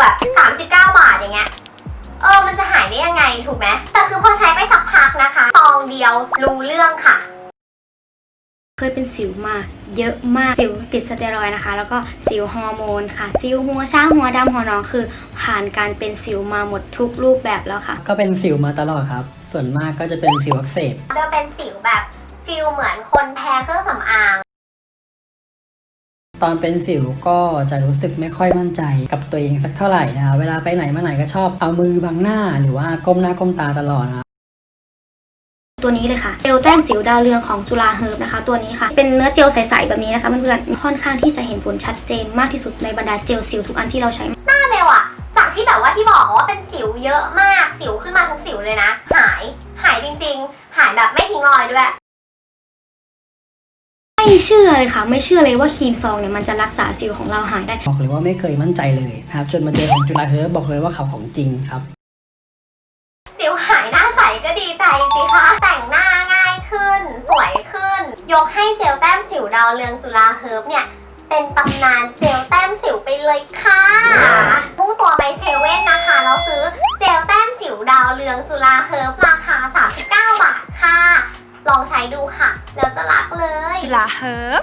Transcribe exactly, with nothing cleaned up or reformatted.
แบบสามสิบเก้าบาทอย่างเงี้ยเออมันจะหายได้ยังไงถูกไหมแต่คือพอใช้ไปสักพักนะคะซองเดียวรู้เรื่องค่ะเคยเป็นสิวมาเยอะมากสิวติดสเตียรอยด์นะคะแล้วก็สิวฮอร์โมนค่ะสิวหัวช้างหัวดำหัวน้องคือผ่านการเป็นสิวมาหมดทุกรูปแบบแล้วค่ะก็เป็นสิวมาตลอดครับส่วนมากก็จะเป็นสิวอักเสบจะเป็นสิวแบบฟิลเหมือนคนแพ้เครื่องสำอางตอนเป็นสิวก็จะรู้สึกไม่ค่อยมั่นใจกับตัวเองสักเท่าไหร่นะคะเวลาไปไหนมาไหนก็ชอบเอามือบังหน้าหรือว่าก้มหน้าก้มตาตลอดนะตัวนี้เลยค่ะเจลแต้มสิวดาวเรืองของจุฬาเฮิร์บนะคะตัวนี้ค่ะเป็นเนื้อเจลใสๆแบบนี้นะคะเพื่อนๆค่อนข้างที่จะเห็นผลชัดเจนมากที่สุดในบรรดาเจลสิวทุกอันที่เราใช้หน้าเบลอะจากที่แบบว่าที่บอกว่าเป็นสิวเยอะมากสิวขึ้นมาทุกสิวเลยนะหายหายจริงๆหายแบบไม่ทิ้งรอยด้วยไม่เชื่อเลยค่ะไม่เชื่อเลยว่าครีมซองเนี่ยมันจะรักษาสิวของเราหายได้บอกเลยว่าไม่เคยมั่นใจเลยนะครับจนมาเจอของจุฬาเฮิร์บบอกเลยว่าเขาของจริงครับสิวหายหน้าใสก็ดีใจสิคะแต่งหน้าง่ายขึ้นสวยขึ้นยกให้เจลแต้มสิวดาวเรืองจุฬาเฮิร์บเนี่ยเป็นตำนานเจลแต้มสิวไปเลยค่ะมุ่งตัวไปเซเว่นนะคะแล้วซื้อเจลแต้มสิวดาวเรืองจุฬาเฮิร์บราคาสามสิบเก้าบาทค่ะลองใช้ดูค่ะแล้วจะรักเลยจุฬาเฮิร์บ